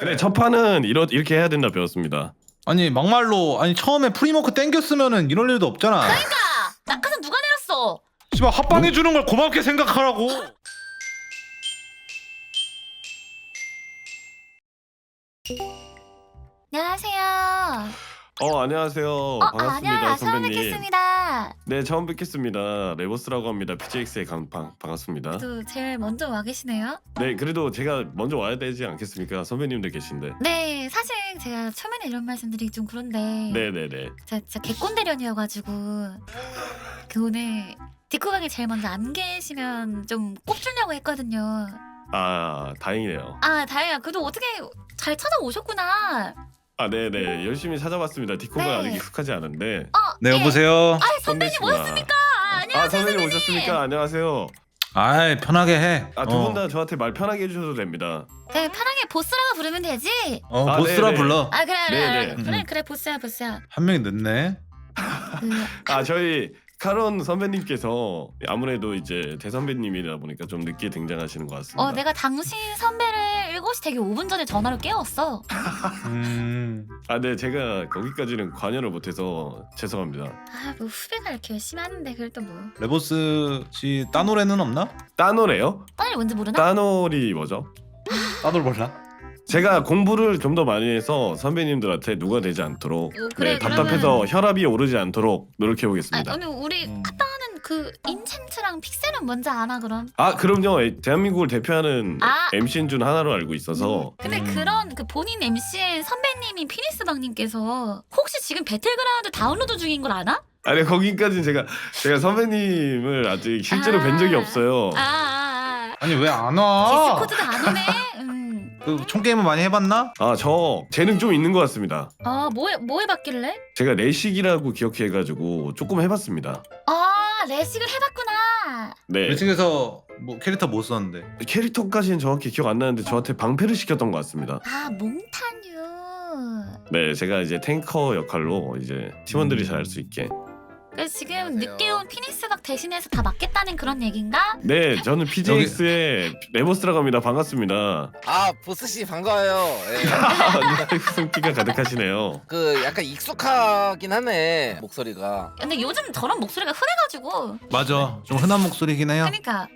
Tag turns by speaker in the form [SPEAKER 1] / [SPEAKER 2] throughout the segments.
[SPEAKER 1] 그래 첫 판은 이렇게 해야 된다 배웠습니다.
[SPEAKER 2] 아니 막말로 아니 처음에 프리모크 땡겼으면은 이럴 일도 없잖아.
[SPEAKER 3] 그러니까 낙하산 누가 내렸어?
[SPEAKER 2] 씨발 합방해 주는 걸 고맙게 생각하라고.
[SPEAKER 3] 안녕하세요.
[SPEAKER 1] 안녕하세요. 반갑습니다
[SPEAKER 3] 안녕. 처음
[SPEAKER 1] 선배님.
[SPEAKER 3] 뵙겠습니다.
[SPEAKER 1] 네 처음 뵙겠습니다. 레보스라고 합니다. PJX의 반갑습니다.
[SPEAKER 3] 또 제일 먼저 와 계시네요.
[SPEAKER 1] 네 그래도 제가 먼저 와야 되지 않겠습니까? 선배님들 계신데.
[SPEAKER 3] 네, 사실 제가 처음에는 이런 말씀드리기 좀 그런데
[SPEAKER 1] 네네네.
[SPEAKER 3] 제가 진짜 개꼰대련이어가지고 그 오늘 디코방에 제일 먼저 안 계시면 좀 꼽주려고 했거든요.
[SPEAKER 1] 아 다행이네요.
[SPEAKER 3] 아, 다행이야. 그래도 어떻게 잘 찾아오셨구나.
[SPEAKER 1] 아 네네 열심히 찾아봤습니다. 디코가
[SPEAKER 3] 네.
[SPEAKER 1] 아직 익숙하지 않은데.
[SPEAKER 2] 네
[SPEAKER 3] 예.
[SPEAKER 2] 여보세요.
[SPEAKER 3] 아, 선배님
[SPEAKER 1] 선배시구나.
[SPEAKER 3] 오셨습니까? 안녕하세요,
[SPEAKER 1] 선배님
[SPEAKER 3] 선배님.
[SPEAKER 1] 오셨습니까? 안녕하세요.
[SPEAKER 2] 아이 편하게 해.
[SPEAKER 1] 두 분 다 저한테 말 편하게 해주셔도 됩니다.
[SPEAKER 3] 네, 편하게 보스라고 부르면 되지.
[SPEAKER 2] 보스라
[SPEAKER 1] 네네.
[SPEAKER 2] 불러.
[SPEAKER 3] 아, 그래,
[SPEAKER 1] 네네.
[SPEAKER 3] 그래, 보스야.
[SPEAKER 2] 한 명이 늦네.
[SPEAKER 1] 저희 카론 선배님께서 아무래도 이제 대선배님이다 보니까 좀 늦게 등장하시는 것 같습니다.
[SPEAKER 3] 내가 당신 선배를 7시 되게 5분 전에 전화로 깨웠어.
[SPEAKER 1] 네 제가 거기까지는 관여를 못해서 죄송합니다.
[SPEAKER 3] 뭐 후배가 이렇게 열심히 하는데 그래도 뭐.
[SPEAKER 2] 레보스 씨 따노래는 없나?
[SPEAKER 1] 따노래요?
[SPEAKER 3] 딸이 뭔지 모르나?
[SPEAKER 1] 따노리 뭐죠?
[SPEAKER 2] 따노 몰라.
[SPEAKER 1] 제가 공부를 좀 더 많이 해서 선배님들한테 누가 되지 않도록
[SPEAKER 3] 그래,
[SPEAKER 1] 답답해서 혈압이 오르지 않도록 노력해
[SPEAKER 3] 아,
[SPEAKER 1] 보겠습니다.
[SPEAKER 3] 아니 우리 합방하는 그 인챈트랑 픽셀은 뭔지 아나 그럼?
[SPEAKER 1] 그럼요. 대한민국을 대표하는 MC인 중 하나로 알고 있어서.
[SPEAKER 3] 근데 그런 그 본인 MC의 선배님인 피니스방님께서 혹시 지금 배틀그라운드 다운로드 중인 걸 아나?
[SPEAKER 1] 아니 거기까지는 제가 선배님을 아직 실제로 뵌 적이 없어요.
[SPEAKER 2] 아니 왜 안 와?
[SPEAKER 3] 디스코드도 안 오네.
[SPEAKER 2] 그 총게임을 많이 해봤나?
[SPEAKER 1] 저 재능 좀 있는 것 같습니다.
[SPEAKER 3] 뭐 해봤길래?
[SPEAKER 1] 제가 레식이라고 기억해가지고 조금 해봤습니다.
[SPEAKER 3] 레식을 해봤구나.
[SPEAKER 1] 네.
[SPEAKER 2] 레식에서 뭐 캐릭터 못 썼는데.
[SPEAKER 1] 캐릭터까지는 정확히 기억 안 나는데 저한테 방패를 시켰던 것 같습니다.
[SPEAKER 3] 몽타뉴.
[SPEAKER 1] 네, 제가 이제 탱커 역할로 이제 팀원들이 잘 할 수 있게.
[SPEAKER 3] 그래서 지금 늦게 온 피니스박 대신해서 다 맡겠다는 그런 얘긴가?
[SPEAKER 1] 네, 저는 PJX의 레보스라고 합니다. 반갑습니다.
[SPEAKER 4] 보스씨 반가워요.
[SPEAKER 1] 웃음기가 가득하시네요.
[SPEAKER 4] 그 약간 익숙하긴 하네 목소리가.
[SPEAKER 3] 근데 요즘 저런 목소리가 흔해가지고.
[SPEAKER 2] 맞아. 좀 흔한 목소리긴 해요.
[SPEAKER 3] 그러니까.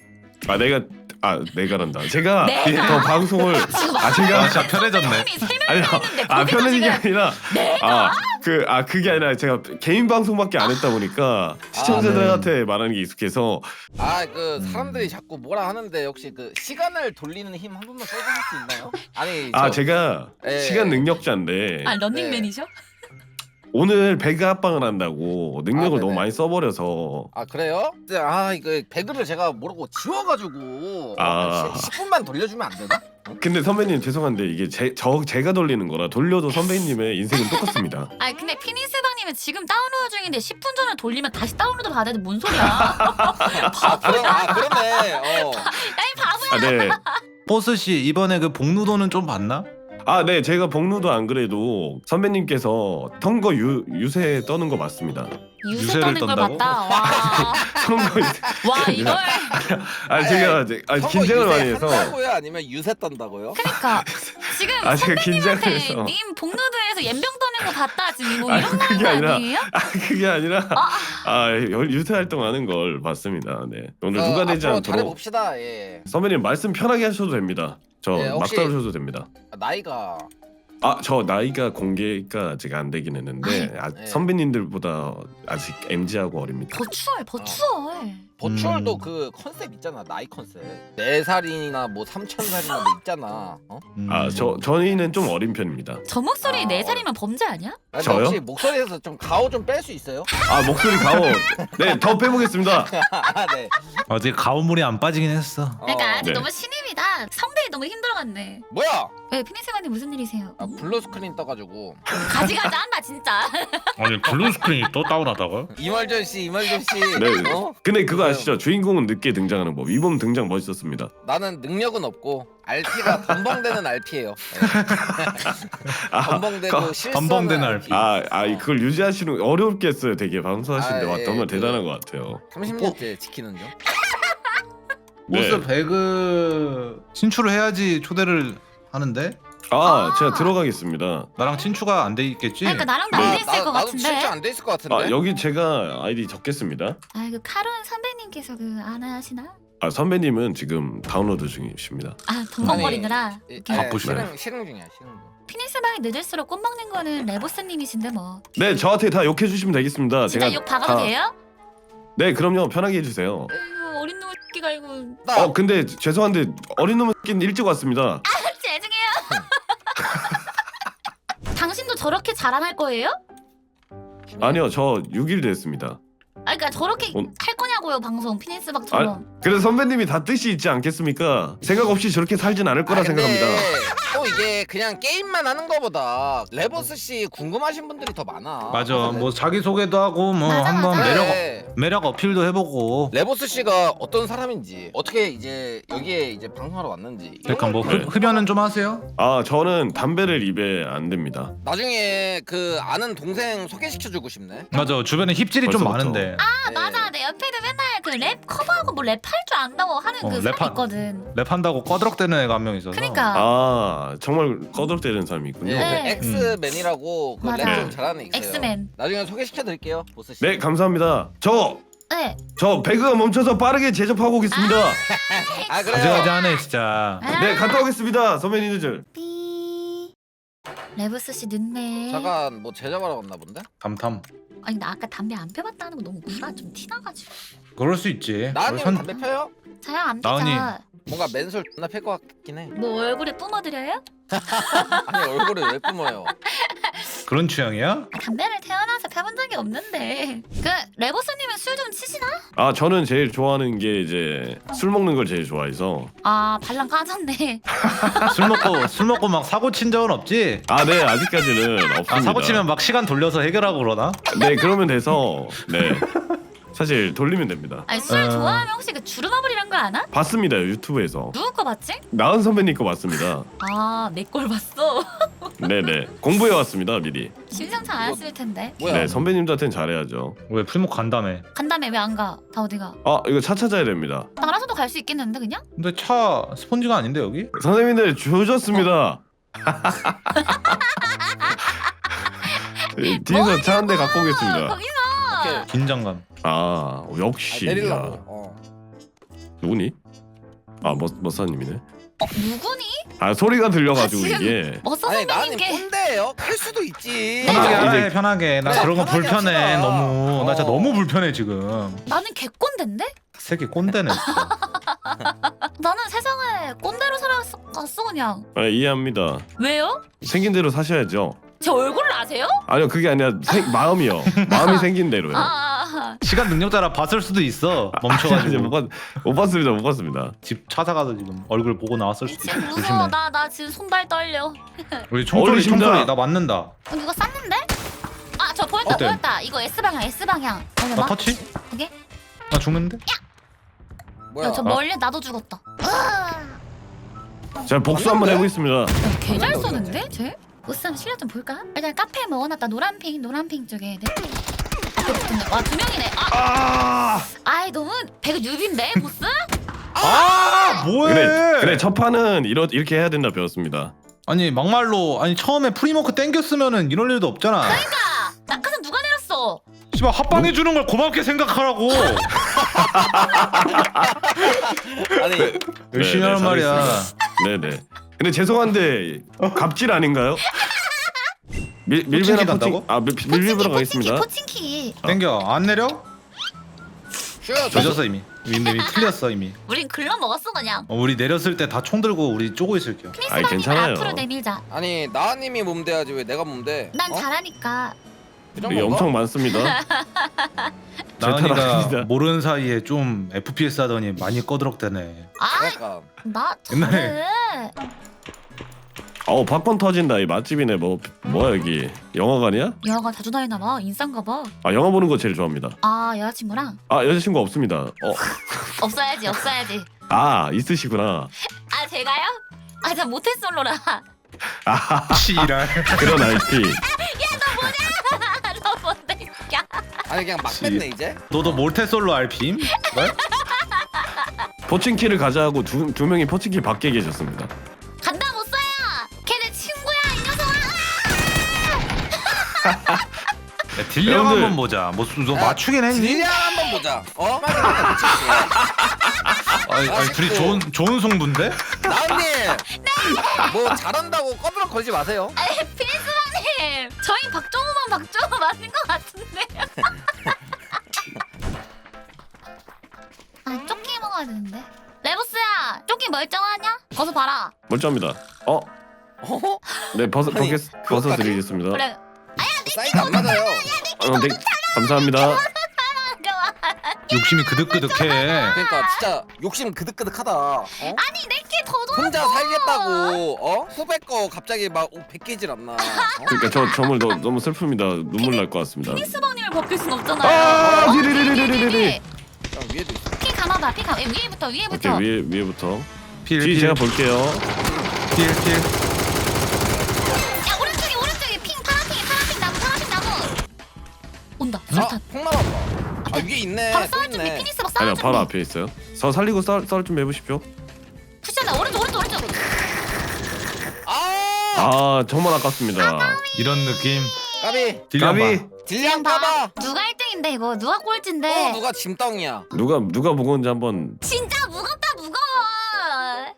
[SPEAKER 1] 내가란다. 제가
[SPEAKER 3] 내가?
[SPEAKER 1] 더 방송을 제가
[SPEAKER 2] 진짜 편해졌네.
[SPEAKER 1] 편해진 게 아니라 그게 아니라 제가 개인 방송밖에 안 했다 보니까 시청자들한테 말하는 게 익숙해서
[SPEAKER 4] 사람들이 자꾸 뭐라 하는데 혹시 그 시간을 돌리는 힘 한 번만 써주실 수 있나요? 아니
[SPEAKER 1] 제가 시간 능력자인데
[SPEAKER 3] 런닝맨이죠?
[SPEAKER 1] 오늘 배그 합방을 한다고 능력을 너무
[SPEAKER 4] 네네.
[SPEAKER 1] 많이 써버려서.
[SPEAKER 4] 그래요? 이거 배그를 제가 모르고 지워가지고 10분만 돌려주면 안 되나?
[SPEAKER 1] 근데 선배님 죄송한데 이게 제가 돌리는 거라 돌려도 선배님의 인생은 똑같습니다.
[SPEAKER 3] 근데 피니스방님은 지금 다운로드 중인데 10분 전에 돌리면 다시 다운로드 받아야 돼. 뭔 소리야?
[SPEAKER 4] 그러네.
[SPEAKER 3] 야이 바보야.
[SPEAKER 1] 네.
[SPEAKER 2] 보스 씨 이번에 그 복루도는 좀 봤나?
[SPEAKER 1] 네, 제가 복루도 안 그래도 선배님께서 턴거 유세 떠는 거 맞습니다.
[SPEAKER 3] 유세
[SPEAKER 2] 유세를
[SPEAKER 3] 떠는 걸
[SPEAKER 2] 떤다고?
[SPEAKER 3] 봤다.
[SPEAKER 1] 턴거 유세.
[SPEAKER 3] 와 이걸.
[SPEAKER 1] 제가 긴장을 많이 해서.
[SPEAKER 4] 한다고요? 아니면 유세 떤다고요?
[SPEAKER 3] 그러니까 지금
[SPEAKER 1] 제가 긴장을
[SPEAKER 3] 선배님한테
[SPEAKER 1] 해서.
[SPEAKER 3] 님 복로드에서 연병 떠는 거 봤다 지금 뭐 이런
[SPEAKER 1] 그게
[SPEAKER 3] 거
[SPEAKER 1] 아니라-
[SPEAKER 3] 아니에요?
[SPEAKER 1] 그게 아니라 유세 활동하는 걸 봤습니다. 네. 오늘 누가 되지
[SPEAKER 4] 앞으로
[SPEAKER 1] 않도록
[SPEAKER 4] 잘해봅시다. 예.
[SPEAKER 1] 선배님 말씀 편하게 하셔도 됩니다. 저
[SPEAKER 4] 네,
[SPEAKER 1] 막
[SPEAKER 4] 혹시-
[SPEAKER 1] 다루셔도 됩니다.
[SPEAKER 4] 나이가
[SPEAKER 1] 저 나이가 공개가 아직 안 되긴 했는데
[SPEAKER 4] 네.
[SPEAKER 1] 선배님들보다 아직 MZ하고 어립니다.
[SPEAKER 3] 버추얼.
[SPEAKER 4] 버추얼도 그 컨셉 있잖아. 나이 컨셉. 4살이나 뭐 3,000살이나 뭐 있잖아.
[SPEAKER 1] 저희는 좀 어린 편입니다.
[SPEAKER 3] 저 목소리
[SPEAKER 4] 아,
[SPEAKER 3] 4살이면 범죄 아니야?
[SPEAKER 4] 근데
[SPEAKER 1] 저요?
[SPEAKER 4] 혹시 목소리에서 좀 가오 좀 뺄 수 있어요?
[SPEAKER 1] 목소리 가오. 네, 더 빼보겠습니다.
[SPEAKER 4] 네.
[SPEAKER 2] 어제 가오물이 안 빠지긴 했어.
[SPEAKER 3] 그러니까 아직
[SPEAKER 1] 네.
[SPEAKER 3] 너무 신입이다. 성대이 너무 힘들어갔네.
[SPEAKER 4] 뭐야?
[SPEAKER 3] 왜 피니스방님 무슨 일이세요?
[SPEAKER 4] 블루 스크린 떠가지고.
[SPEAKER 3] 가지가지 한다 진짜.
[SPEAKER 2] 아니 블루 스크린이 또 다운하다고요?
[SPEAKER 4] 이말전 씨.
[SPEAKER 1] 네. 근데 그거 아시죠? 주인공은 늦게 등장하는 법. 이번 등장 멋있었습니다.
[SPEAKER 4] 나는 능력은 없고 RP가 덤벙대는 RP예요. 덤벙대고 실수하는
[SPEAKER 2] 덤벙대는
[SPEAKER 4] RP.
[SPEAKER 1] 그걸 유지하시는 어렵게 했어요. 되게 방송하시는데 와
[SPEAKER 4] 예,
[SPEAKER 1] 정말
[SPEAKER 4] 그-
[SPEAKER 1] 대단한 것 같아요.
[SPEAKER 4] 30년째 지키는 중.
[SPEAKER 2] 보스
[SPEAKER 1] 네.
[SPEAKER 2] 배그 신출을 해야지 초대를 하는데.
[SPEAKER 1] 제가 들어가겠습니다.
[SPEAKER 2] 나랑 친추가 안 돼 있겠지?
[SPEAKER 3] 그러니까 나랑도 안 돼 있을 것
[SPEAKER 4] 나도
[SPEAKER 3] 같은데.
[SPEAKER 4] 진짜 안 돼 있을 것 같은데.
[SPEAKER 1] 여기 제가 아이디 적겠습니다.
[SPEAKER 3] 그 카론 선배님께서 안 하시나?
[SPEAKER 1] 선배님은 지금 다운로드 중이십니다.
[SPEAKER 3] 덩덩거리느라.
[SPEAKER 2] 바쁘시네.
[SPEAKER 4] 실행 중이야 실행 중.
[SPEAKER 3] 피닉스 방이 늦을수록 꽃 먹는 거는 레보스님이신데 뭐.
[SPEAKER 1] 네, 저한테 다 욕해 주시면 되겠습니다.
[SPEAKER 3] 진짜 욕 박아도 돼요?
[SPEAKER 1] 네, 그럼요. 편하게 해주세요.
[SPEAKER 3] 에휴, 어린 놈 새끼가 이거.
[SPEAKER 1] 근데 죄송한데 어린 놈은 새끼는 일찍 왔습니다.
[SPEAKER 3] 죄송해요. 당신도 저렇게 자라날 거예요?
[SPEAKER 1] 아니요, 저 6일 됐습니다.
[SPEAKER 3] 그러니까 저렇게 할 거냐고요 방송 피닉스 방처럼.
[SPEAKER 1] 그래서 선배님이 다 뜻이 있지 않겠습니까? 생각 없이 저렇게 살진 않을 거라 생각합니다.
[SPEAKER 4] 또 이게 그냥 게임만 하는 거보다 레버스 씨 궁금하신 분들이 더 많아.
[SPEAKER 2] 맞아. 뭐 자기 소개도 하고 뭐
[SPEAKER 3] 맞아,
[SPEAKER 2] 한번
[SPEAKER 3] 맞아.
[SPEAKER 2] 매력 어필도 해보고.
[SPEAKER 4] 레버스 씨가 어떤 사람인지 어떻게 이제 여기에 이제 방송하러 왔는지.
[SPEAKER 2] 그러니까 뭐
[SPEAKER 1] 네.
[SPEAKER 2] 흡연은 좀 하세요?
[SPEAKER 1] 저는 담배를 입에 안 댑니다.
[SPEAKER 4] 나중에 그 아는 동생 소개시켜주고 싶네.
[SPEAKER 2] 맞아. 주변에 힙질이 좀
[SPEAKER 1] 벌써부터.
[SPEAKER 2] 많은데.
[SPEAKER 3] 맞아. 내 옆에도 맨날 그 랩 커버하고 뭐 랩 할 줄 안다고 하는 그 사람
[SPEAKER 2] 랩한-
[SPEAKER 3] 있거든.
[SPEAKER 2] 랩한다고 꺼드럭대는 애가 한 명 있어서.
[SPEAKER 3] 그러니까.
[SPEAKER 1] 정말 꺼덕대는 사람이 있군요.
[SPEAKER 4] 예,
[SPEAKER 3] 네.
[SPEAKER 4] 엑스맨이라고 그
[SPEAKER 3] 맞아.
[SPEAKER 4] 랩 좀 잘하는 애 있어요.
[SPEAKER 3] 엑스맨.
[SPEAKER 4] 나중에 소개시켜드릴게요, 보스 씨.
[SPEAKER 1] 네, 감사합니다. 저
[SPEAKER 3] 네.
[SPEAKER 1] 배그가 멈춰서 빠르게 제접하고 오겠습니다.
[SPEAKER 4] 아 그래요.
[SPEAKER 2] 가지가지하네 진짜.
[SPEAKER 1] 네, 갔다 오겠습니다, 선배님들.
[SPEAKER 3] 삐. 레브스 씨 늦네.
[SPEAKER 4] 잠깐 뭐 제작하러 갔나 본데?
[SPEAKER 2] 담탐.
[SPEAKER 3] 아니 나 아까 담배 안 펴봤다는 거 너무 구라 좀 티나가지고.
[SPEAKER 2] 그럴 수 있지.
[SPEAKER 4] 나은이는 담배 펴요?
[SPEAKER 3] 저요 안
[SPEAKER 2] 나은이.
[SPEAKER 3] 피자.
[SPEAKER 4] 뭔가 맨솔 존나 필 것 같긴 해.
[SPEAKER 3] 뭐 얼굴에 뿜어드려요?
[SPEAKER 4] 아니 얼굴을 왜 뿜어요?
[SPEAKER 2] 그런 취향이야?
[SPEAKER 3] 담배를 태어나서 펴본 적이 없는데. 그 레버스님은 술 좀 치시나?
[SPEAKER 1] 저는 제일 좋아하는 게 이제 술 먹는 걸 제일 좋아해서.
[SPEAKER 3] 발랑 까졌네.
[SPEAKER 2] 술 먹고 막 사고 친 적은 없지?
[SPEAKER 1] 네, 아직까지는 없습니다.
[SPEAKER 2] 사고 치면 막 시간 돌려서 해결하고 그러나?
[SPEAKER 1] 네, 그러면 돼서 네. 사실 돌리면 됩니다.
[SPEAKER 3] 아니 술 좋아하면 혹시 그 주름아블이란 거 아나?
[SPEAKER 1] 봤습니다, 유튜브에서.
[SPEAKER 3] 누구 거 봤지?
[SPEAKER 1] 나은 선배님 거 봤습니다.
[SPEAKER 3] 내 걸 봤어.
[SPEAKER 1] 네네, 공부해 왔습니다, 미리.
[SPEAKER 3] 심상치 않았을 텐데.
[SPEAKER 4] 뭐야?
[SPEAKER 1] 네, 선배님들한테는 잘해야죠.
[SPEAKER 2] 왜 풀목 간다며?
[SPEAKER 3] 간다며 왜 안 가? 다 어디가?
[SPEAKER 1] 이거 차 찾아야 됩니다.
[SPEAKER 3] 나라서도 갈 수 있겠는데 그냥?
[SPEAKER 2] 근데 차 스폰지가 아닌데 여기?
[SPEAKER 1] 선생님들 조졌습니다. 네, 뒤에서 차 한 대 갖고 오겠습니다.
[SPEAKER 3] 거기서.
[SPEAKER 4] 오케이.
[SPEAKER 2] 긴장감.
[SPEAKER 1] 역시.
[SPEAKER 4] 내리려고.
[SPEAKER 1] 누구니? 머사님이네.
[SPEAKER 3] 누구니?
[SPEAKER 1] 소리가 들려가지고
[SPEAKER 3] 지금
[SPEAKER 1] 이게.
[SPEAKER 3] 머싸
[SPEAKER 4] 아니 나은이
[SPEAKER 3] 선배님께.
[SPEAKER 4] 꼰대예요? 클 수도 있지.
[SPEAKER 2] 편하게
[SPEAKER 1] 이제-
[SPEAKER 2] 하라 해 편하게. 나
[SPEAKER 4] 그래,
[SPEAKER 2] 그런 거
[SPEAKER 4] 편하게
[SPEAKER 2] 불편해
[SPEAKER 4] 합시다.
[SPEAKER 2] 너무. 나 진짜
[SPEAKER 4] 어.
[SPEAKER 2] 너무 불편해 지금.
[SPEAKER 3] 나는 개꼰대인데?
[SPEAKER 2] 새끼 꼰대네 진짜.
[SPEAKER 3] 나는 세상에 꼰대로 살아갔어 그냥.
[SPEAKER 1] 이해합니다.
[SPEAKER 3] 왜요?
[SPEAKER 1] 생긴 대로 사셔야죠.
[SPEAKER 3] 제 얼굴을 아세요?
[SPEAKER 1] 아니요, 그게 아니라 마음이요. 마음이 생긴 대로요.
[SPEAKER 2] 시간 능력자라 봤을 수도 있어.
[SPEAKER 1] 이제
[SPEAKER 2] 멈춰가지고
[SPEAKER 1] 못 봤습니다. 못 봤습니다.
[SPEAKER 2] 집 찾아가서 지금 얼굴 보고 나왔을 수도 있어.
[SPEAKER 3] 지금 무서워.
[SPEAKER 2] 조심해.
[SPEAKER 3] 나 지금 손발 떨려.
[SPEAKER 2] 우리 총소리
[SPEAKER 1] 어울리신다.
[SPEAKER 2] 총소리 나 맞는다.
[SPEAKER 3] 누가 쐈는데? 저 보였다
[SPEAKER 2] 어때?
[SPEAKER 3] 보였다. 이거 S방향 S방향.
[SPEAKER 2] 나
[SPEAKER 3] 잠깐만.
[SPEAKER 2] 터치?
[SPEAKER 3] 오케이.
[SPEAKER 2] 나 죽는데?
[SPEAKER 4] 뭐야?
[SPEAKER 3] 저 멀리 나도 죽었다.
[SPEAKER 1] 제가 복수 한번 해보겠습니다.
[SPEAKER 3] 개 잘 쏘는데 쟤? 보스함 실력 좀 볼까? 일단 카페에 먹어놨다. 노란핑 쪽에. 네. 앞에 붙었네. 와 2명이네. 아이 너무 배그 뉴비인데 보스?
[SPEAKER 2] 뭐해?
[SPEAKER 1] 그래, 첫 판은 이렇게 해야 된다 배웠습니다.
[SPEAKER 2] 아니 막말로 처음에 프리모크 땡겼으면은 이럴 일도 없잖아.
[SPEAKER 3] 낙하산 누가 내렸어?
[SPEAKER 2] 씨발 합방해 주는 걸 고맙게 생각하라고.
[SPEAKER 4] 아니
[SPEAKER 2] 열심히 하는 말이야.
[SPEAKER 1] 네네. 근데 죄송한데 갑질 아닌가요? 밀베나
[SPEAKER 2] 포칭키 간다고?
[SPEAKER 1] 밀베나 가겠습니다.
[SPEAKER 3] 포칭키.
[SPEAKER 2] 땡겨 안 내려?
[SPEAKER 4] 쉬어요.
[SPEAKER 2] 늦었어 이미. 이미 틀렸어 이미.
[SPEAKER 3] 우린 글러 먹었어 그냥.
[SPEAKER 2] 우리 내렸을 때 다 총 들고 우리 쪼고 있을게요.
[SPEAKER 3] 피니스방님을
[SPEAKER 1] 괜찮아요.
[SPEAKER 3] 앞으로 내밀자.
[SPEAKER 4] 아니 나은님이 몸대야지 왜 내가 몸대?
[SPEAKER 3] 난 잘하니까.
[SPEAKER 4] 이런
[SPEAKER 1] 우리
[SPEAKER 4] 건가?
[SPEAKER 1] 엄청 많습니다.
[SPEAKER 2] 나은이가
[SPEAKER 1] 아닙니다.
[SPEAKER 2] 모르는 사이에 좀 FPS 하더니 많이 꺼드럭대네.
[SPEAKER 4] 그러니까
[SPEAKER 3] 나
[SPEAKER 2] 옛날에-
[SPEAKER 3] 잘해.
[SPEAKER 1] 팝콘 터진다. 이 맛집이네. 뭐야 여기 영화관이야?
[SPEAKER 3] 여가 자주 다니나 봐. 인싸인가 봐.
[SPEAKER 1] 영화 보는 거 제일 좋아합니다.
[SPEAKER 3] 여자친구랑?
[SPEAKER 1] 여자친구 없습니다.
[SPEAKER 3] 없어야지.
[SPEAKER 1] 있으시구나.
[SPEAKER 3] 제가요? 저 모태솔로라.
[SPEAKER 2] 지랄.
[SPEAKER 1] 그런 IP.
[SPEAKER 3] 너 뭔데 야.
[SPEAKER 4] 아니 그냥 막 뺐네 이제.
[SPEAKER 2] 너도 몰테솔로 RP임? 뭘?
[SPEAKER 1] 포칭키를 가져가고 두 명이 포칭키 밖에 계셨습니다.
[SPEAKER 3] 간다 못 써야. 걔네
[SPEAKER 2] 딜량
[SPEAKER 1] 여러분들.
[SPEAKER 2] 한번 보자. 너
[SPEAKER 4] 야,
[SPEAKER 2] 맞추긴 했니?
[SPEAKER 4] 딜량 한번 보자.
[SPEAKER 2] 아니 둘이 좋은 승부인데?
[SPEAKER 4] 나은님. 뭐 잘한다고 꺼부러 걸지 마세요.
[SPEAKER 3] 아니 피니스마님 저희 박정우 맞는 것 같은데요. 아 쪼끼 먹어야 되는데. 레보스야 쪼끼 멀쩡하냐? 거서 봐라.
[SPEAKER 1] 멀쩡합니다.
[SPEAKER 4] 어?
[SPEAKER 1] 네 벗어
[SPEAKER 4] 아니,
[SPEAKER 1] 벗어 드리겠습니다.
[SPEAKER 3] 그래.
[SPEAKER 4] 사이즈 안 맞아요.
[SPEAKER 1] 네, 감사합니다.
[SPEAKER 2] 욕심이 그득그득해.
[SPEAKER 4] 그러니까 진짜 욕심 그득그득하다. 어?
[SPEAKER 3] 아니 내게 더 줘.
[SPEAKER 4] 혼자 살겠다고 후배 거 갑자기 막 100개질 않나. 어?
[SPEAKER 1] 그러니까 저 정말 너무 슬픕니다. 눈물 날 것 같습니다.
[SPEAKER 3] 피니스마님을 벗길 순 없잖아요.
[SPEAKER 1] 아,
[SPEAKER 3] 어,
[SPEAKER 1] 리리리리리리.
[SPEAKER 4] 야, 위에도 있어.
[SPEAKER 3] 피 감아봐. 피 감. 위에부터.
[SPEAKER 1] 오케이 위에부터.
[SPEAKER 2] 필
[SPEAKER 1] 뒤 제가 볼게요.
[SPEAKER 2] 필.
[SPEAKER 3] 야 오른쪽에 핑 파란핑 나무. 온다.
[SPEAKER 4] 아,
[SPEAKER 3] 수류탄.
[SPEAKER 4] 폭 나왔다. 아 위에 있네.
[SPEAKER 3] 바로
[SPEAKER 4] 또
[SPEAKER 3] 싸울 준비.
[SPEAKER 4] 있네.
[SPEAKER 3] 피니스 막 싸울
[SPEAKER 1] 아니요
[SPEAKER 3] 준비.
[SPEAKER 1] 바로 앞에 있어요. 저 살리고 싸울 좀 해보십시오.
[SPEAKER 3] 푸시한다. 오른쪽.
[SPEAKER 4] 아,
[SPEAKER 1] 아 정말 아깝습니다.
[SPEAKER 2] 이런 느낌.
[SPEAKER 4] 까비.
[SPEAKER 2] 딜량
[SPEAKER 1] 까비.
[SPEAKER 2] 봐.
[SPEAKER 4] 딜량 까봐.
[SPEAKER 3] 누가 1등인데 이거 누가 꼴찌인데?
[SPEAKER 4] 누가 짐덩이야.
[SPEAKER 1] 누가 무거운지 한번.
[SPEAKER 3] 진짜 무겁다 무거워.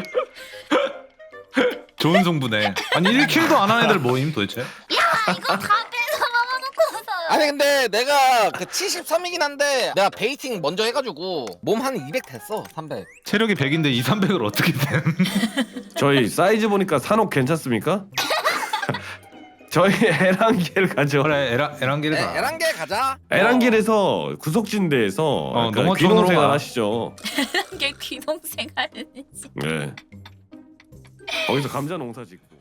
[SPEAKER 2] 좋은 승부네. 아니 1킬도 안 한 애들 뭐임 도대체?
[SPEAKER 3] 야 이거 다 뺏어 먹어놓고서.
[SPEAKER 4] 아니 근데 내가 그 73이긴 한데 내가 베이팅 먼저 해가지고 몸 한 200 됐어. 300.
[SPEAKER 2] 체력이 100인데 2, 300을 어떻게 됨?
[SPEAKER 1] 저희 사이즈 보니까 산옥 괜찮습니까? 저희 에란길 가죠.
[SPEAKER 2] 그래 에란길에 가.
[SPEAKER 4] 에란게 가자.
[SPEAKER 1] 에란길에서 구석진대에서
[SPEAKER 2] 농어촌으로
[SPEAKER 1] 귀농생활
[SPEAKER 2] 가.
[SPEAKER 1] 하시죠.
[SPEAKER 3] 이게 귀동생활이지.
[SPEAKER 1] 네. 거기서 감자 농사 짓고.